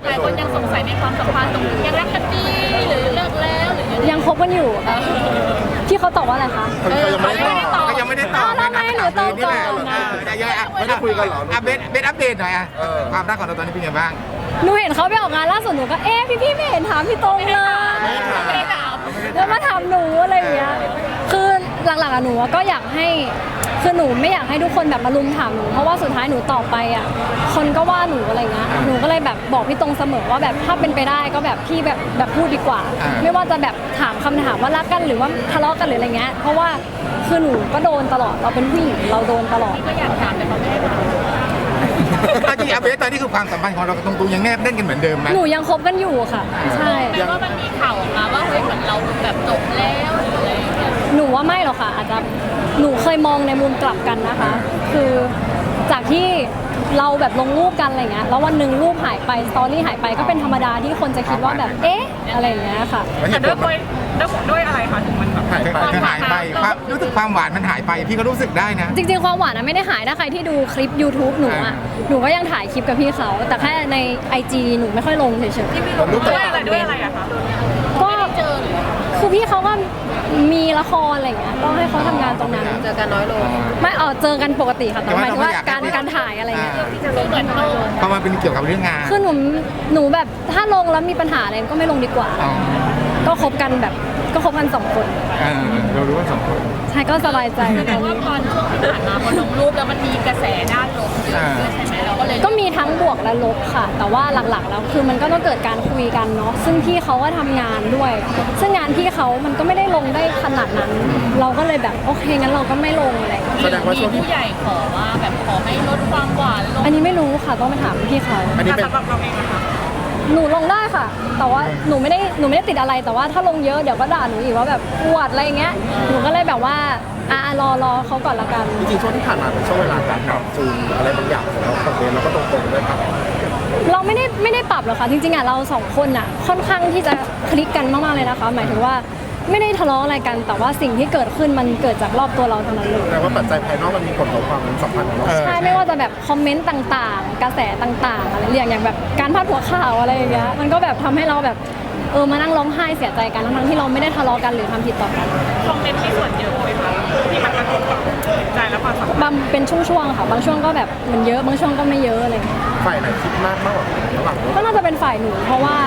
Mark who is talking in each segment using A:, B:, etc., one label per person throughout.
A: หลายคนยังสงสัยในความสัมพันธ์ตรงนี้ยังรักกันดีหรือเลิกแล้วหรือ
B: ยังคบกันอยู่ค่ะที่เขาตอบว่าอะไรคะ
C: เขายังไม่ได้ตอบ
A: ก็
D: ยังไม่ได้ตอบ
B: ทำไมหนูตอบก่อนนะ
D: ไม่ได้คุยกันหรอเบสอัปเดตหน่อยความรักของเราตอนนี้เป็นไงบ้าง
B: หนูเห็นเขาไปออกงานล่าสุดหนูก็พี่ไม่เห็นถามพี่ตรงเลยแล้วมาถามหนูอะไรอย่างเงี้ยคือหลักๆอะหนูก็อยากให้คือหนูไม่อยากให้ทุกคนแบบมาลุมถามหนูเพราะว่าสุดท้ายหนูตอบไปอ่ะคนก็ว่าหนูอะไรเงี้ยหนูก็เลยแบบบอกพี่ตรงเสมอว่าแบบถ้าเป็นไปได้ก็แบบพี่แบบพูดดีกว่าไม่ว่าจะแบบถามคำถามว่ารักกันหรือว่าทะเลาะกันหรืออะไรเงี้ยเพราะว่าคือหนูก็โดนตลอดเราเป็นผู้หญิงเราโดนตลอด
A: ก็อยากถามแต่เขาไม่ได้ถาม
D: จริงๆเบสตอนนี้คือความสัมพันธ์ของเราตรงๆยังแนบแน่นกันเหมือนเดิมไหม
B: หนูยังคบกันอยู่ค่ะใช่
A: แต่ว่ามันมีข่าวออกมาว่าเฮ้ยเหมือนเราแบบจบแล้วหรืออะไรอย่างเงี้ย
B: หนูว่าไม่หรอกค่ะอาจจะหนูเคยมองในมุมกลับกันนะคะคือจากที่เราแบบลงรูปกันอะไรเงี้ยแล้ววันหนึ่งรูปหายไปสตอรี่หายไปก็เป็นธรรมดาที่คนจะคิดว่าแบบเอ๊ะอะไรอย่างเงี้ยค่ะ
A: แต่ด้วยอะไรคะถึงมันแบบ
D: หายไปความรู้สึกความหวานมันหายไปพี่ก็รู้สึกได้นะ
B: จริงๆความหวานไม่ได้หายถ้าใครที่ดูคลิป YouTube หนูอ่ะหนูก็ยังถ่ายคลิปกับพี่เขาแต่แค่ใน IG หนูไม่ค่อยลงเฉยๆ
A: ที่ไม่ลงด้วยอะไรอะคะ
B: ก็คือพี่เขาก็มีละครอะไรเงี้ยก็ให้เขาทำงานตรงนั้น
A: เจอกันน้อยลง
B: ไม่เจอกันปกติค่ะแต่หมายถึงว่าการถ่ายอะไรเงี้ย
A: เหมือนโลก
D: เพราะมันเป็นเกี่ยวกับเรื่องงาน
B: คือหนูแบบถ้าลงแล้วมีปัญหาอะไรก็ไม่ลงดีกว่าก็คบกันแบบก็คบกัน2 คน
D: เรารู้ว่า2 คน
B: ใช่ก็สบายใจ
A: แสดงว่าตอนช่วงที่ผ่านมาพอลงรูปแล้วมันมีกระแสด้านลบเยอะด้วยใช่ไหมเราก็เลย
B: ก็มีทั้งบวกและลบค่ะแต่ว่าหลักๆแล้วคือมันก็ต้องเกิดการคุยกันเนาะซึ่งพี่เขาก็ทำงานด้วยซึ่งงานพี่เขามันก็ไม่ได้ลงได้ขนาดนั้นเราก็เลยแบบโอเคงั้นเราก็ไม่ลงอะไร
A: แสดงว่าช่วงผู้ใหญ่ขอว่าแบบขอให้ลดความหวานลง
B: อันนี้ไม่รู้ค่ะต้องไปถามพี่เขา
A: อันนี้สำหรับเราเองนะคะ
B: หนูลงได้ค่ะแต่ว่าหนูไม่ได้ติดอะไรแต่ว่าถ้าลงเยอะเดี๋ยวก็ด่าหนูอีกว่าแบบอวดอะไรเงี้ยหนูก็เลยแบบว่ารอเขาก่อนละกัน
C: จริงๆช่วงที่ผ่านมาเป็นช่วงเวลาการปรับจูนอะไรบางอย่างของเราคอมเมนต์แล้วก็ตรงๆด้วยครับ
B: เราไม่ได้ปรับหรอกค่ะจริงๆเรา2 คนค่อนข้างที่จะคลิกกันมากๆเลยนะคะหมายถึงว่าไม่ได้ทะเลาะอะไรกันแต่ว่าสิ่งที่เกิดขึ้นมันเกิดจากรอบตัวเราเท่านั้นเลย
C: แต่ว่าปัจจัยภายนอกมันมีผลต่อความสัมพันธ์ของเรา
B: ใช่ไม่ว่าจะแบบคอมเมนต์ต่างๆกระแสต่างๆอะไรอย่างแบบการพาดหัวข่าวอะไรอย่างเงี้ยมันก็แบบทำให้เราแบบมานั่งร้องไห้เสียใจกันทั้งที่เราไม่ได้ทะเลาะกันหรือทำผิดต่อกัน
A: คอมเมนต์ที่ส่วนเยอะไหมคะที่มันกระทบกับใจและความสัมพันธ์
B: บางเป็นช่วงๆค่ะบางช่วงก็แบบมันเยอะบางช่วงก็ไม่เยอะอะไร
C: ฝ่ายไหนคิดมากกว่าระหว่าง
B: ก็น่าจะเป็นฝ่ายหนูเพราะว่า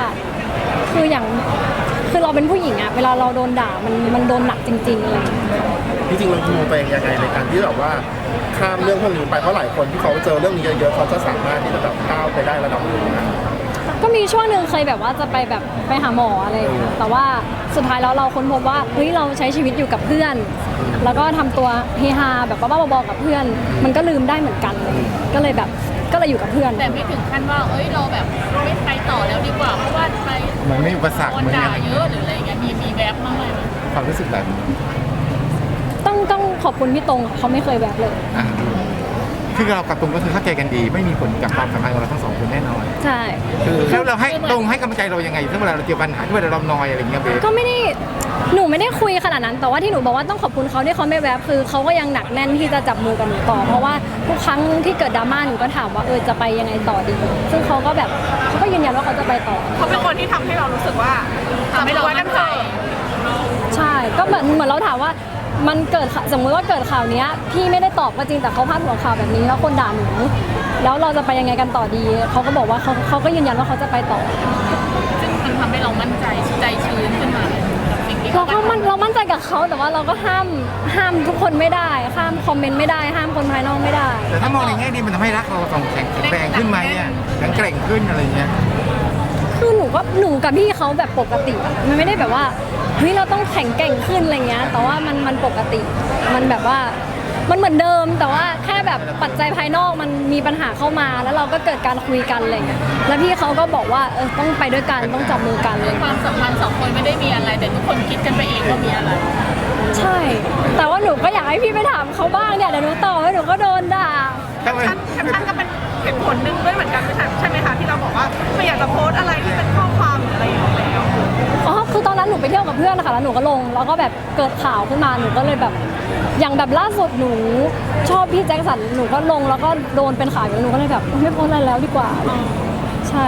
B: คือเราเป็นผู้หญิงเวลาเราโดนด่ามันโดนหนักจริงๆอะไร
C: จริงๆเรามองตัวเองยังไงในการที่แบบว่าข้ามเรื่องพวกนี้ไปเพราะหลายคนที่เขาเจอเรื่องนี้เยอะๆเขาจะสามารถที่จะแบบก้าวไปได้ระดับนึงนะ
B: ก็มีช่วงหนึ่งเคยแบบว่าจะไปหาหมออะไรแต่ว่าสุดท้ายแล้วเราค้นพบว่าเฮ้ยเราใช้ชีวิตอยู่กับเพื่อนแล้วก็ทำตัวเฮฮาแบบบ้าๆบอๆกับเพื่อนมันก็ลืมได้เหมือนกันก็เลยอยู่กับเพื่อน
A: แต่ไม่ถึงขั้นว่าเราแบบไม่ไปต่อแล้วดีกว่าเพราะว่าไป
D: มันไม่อุปสรรค
A: มันด่าเยอะหรืออะไรเงี้ยมีแวบบ้างไหม
D: ความรู้สึกแบบนี้
B: ต้องขอบคุณพี่ตรงเขาไม่เคยแวบเลย
D: คือเรากับตรงก็คือเข้าใจกันดีไม่มีผลกับความสัมพันธ์ของเราทั้ง2 คนแน่นอน
B: ใช่
D: คือแล้วเราให้ตรงให้กำลังใจเรายังไงถ้าเวลาเราเจอปัญหาที่เวลาเรานอยอะไรเงี้ยเบส
B: ก็หนูไม่ได้คุยขนาดนั้นแต่ว่าที่หนูบอกว่าต้องขอบคุณเขาที่เขาไม่แวบคือเขาก็ยังหนักแน่นที่จะจับมือกับหนูต่อเพราะว่าทุกครั้งที่เกิดดราม่าหนูก็ถามว่าจะไปยังไงต่อดีซึ่งเขาก็ยืนยันว่าเขาจะไปต่อ
A: เขาเป็นคนที่ทำให้เรารู้สึกว่าทำให้เรามั่นใจ
B: ใช่ก็เหมือนเราถามว่ามันเกิดสมมติว่าเกิดข่าวนี้พี่ไม่ได้ตอบก็จริงแต่เขาพาดหัวข่าวแบบนี้แล้วคนด่าหนูแล้วเราจะไปยังไงกันต่อดีเขาก็บอกว่าเขาก็ยืนยันว่าเขาจะไปต่อ
A: ซึ่งมันทำให้เรามั่นใจชื้นขึ้นมา
B: เรามั่นใจกับเขาแต่ว่าเราก็ห้ามทุกคนไม่ได้ห้ามคอมเมนต์ไม่ได้ห้ามคนภายนอกไม่ได้
D: แต่ถ้ามองในแง่ดีมันทำให้รักเราต้องแข็งแรงขึ้นไหมแข็งแกร่งขึ้นอะไรเงี้ย
B: คือหนูกับพี่เขาแบบปกติมันไม่ได้แบบว่าเฮ้ยเราต้องแข็งแกร่งขึ้นอะไรเงี้ยแต่ว่ามันปกติมันแบบว่ามันเหมือนเดิมแต่ว่าแค่แบบปัจจัยภายนอกมันมีปัญหาเข้ามาแล้วเราก็เกิดการคุยกันอะไรเงี้ยแล้วพี่เขาก็บอกว่าต้องไปด้วยกันต้องจับมือกันเลย
A: ความสัมพันธ์2 คนไม่ได้มีอะไรแต่ทุกคนคิดกันไปเองว่ามีอะไร
B: ใช่แต่ว่าหนูก็อยากให้พี่ไปถามเขาบ้างเนี่ยเดี๋ยวหนูต่อให้หนูก็โดนด่า
A: แคปชั่นก็เป็นเหตุผลหนึ่งด้วยเหมือนกันใช่ไหมคะที่เราบอกว่าไม่อยากจะโพสอะไรที่เป็นข้อความหรืออะไรอย่างเงี้ย
B: คือตอนนั้นหนูไปเที่ยวกับเพื่อนนะคะแล้วหนูก็ลงแล้วก็แบบเกิดข่าวขึ้นมาหนูก็เลยแบบอย่างแบบล่าสุดหนูชอบพี่แจ็คสันหนูก็ลงแล้วก็โดนเป็นข่าวอยู่หนูก็เลยแบบไม่โพสอะไรแล้วดีกว่าใช่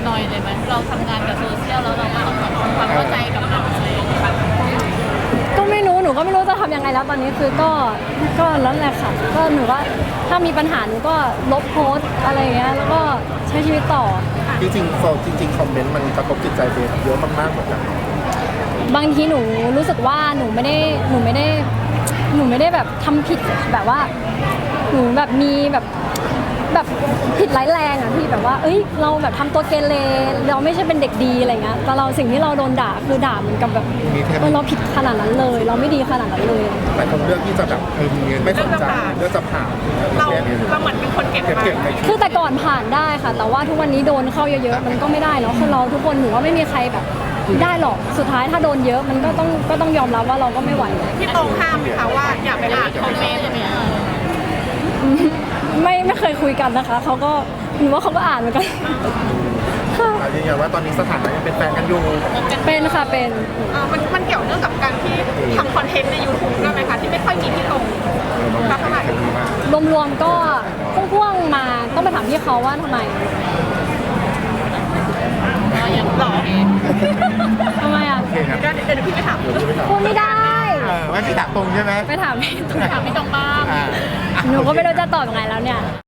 A: หน่อยเลยไหมเราทำงานกับโซเชียลแล้วเราทำความเข้าใจกับมันอะไรอย่างเงี้ยค่ะ
B: ก็ไม่รู้หนูก็ไม่รู้จะทำยังไงแล้วตอนนี้คือก็แล้วแหละค่ะก็หนูว่าถ้ามีปัญหาหนูก็ลบโพสต์อะไรอย่างเงี้ยแล้วก็ใช้ชีวิตต่อ
C: จริงๆคอมเมนต์มันกระทบจิตใจเบสเยอะมากๆเหมือนกัน
B: บางทีหนูรู้สึกว่าหนูไม่ได้แบบทำผิดแบบว่าหนูแบบมีแบบผิดร้ายแรงอ่ะพี่แบบว่าเอ้ยเราแบบทำตัวเกเรเราไม่ใช่เป็นเด็กดีอะไรเงี้ยแต่เราสิ่งที่เราโดนด่าคือด่าเหมือนกับแบบเราผิดขนาดนั้นเลย เราไม่ดีขนาดนั้นเลย
C: แต่คนเลือกที่จะแบบไม่สนใจเลือกจะผ่าน
A: เราเหมือนเป็นคนเก็บมา
C: เก็บใน
B: คือแต่ก่อนผ่านได้ค่ะ แต่ว่าทุกวันนี้โดนเข้าเยอะๆมันก็ไม่ได้เนาะคนเราทุกคนหนูว่าไม่มีใครแบบได้หรอกสุดท้ายถ้าโดนเยอะมันก็ต้องยอมรับว่าเราก็ไม่ไหว
A: ที่ตรงข้ามไหมคะว่าอย่าไปอ่านคอมเมนต์อะไรอย่างเงี้ย
B: ไม่เคยคุยกันนะคะเขาก็หนูว่าเขาก็อ่านเหมือนกันค่ะ
C: ยืนยันว่าตอนนี้สถานะยังเป็นแฟนกันอยู่
B: เป็นค่ะเป็น
A: มันเกี่ยวเนื่องกับการที่ทำคอนเทนต์ใน YouTube ด้วยไหมคะที่ไม่ค่อยมีที่ตรงสักเท่าไหร่
B: รวมๆก็พ่วงๆมาต้องไปถามพี่เขาว่าทำไม
A: ยังหรอ
B: ทำไมอ่ะ
A: เดี๋ยวพี่ไปถาม
B: พูดไม่ได้
D: ไม่พี่ถามตรงใช่ไหม
B: ไปถามพี่
A: ถามพี่ตรงบ้าง
D: อ่า
B: หนูก็ไม่รู้จะตอบยังไงแล้วเนี่ย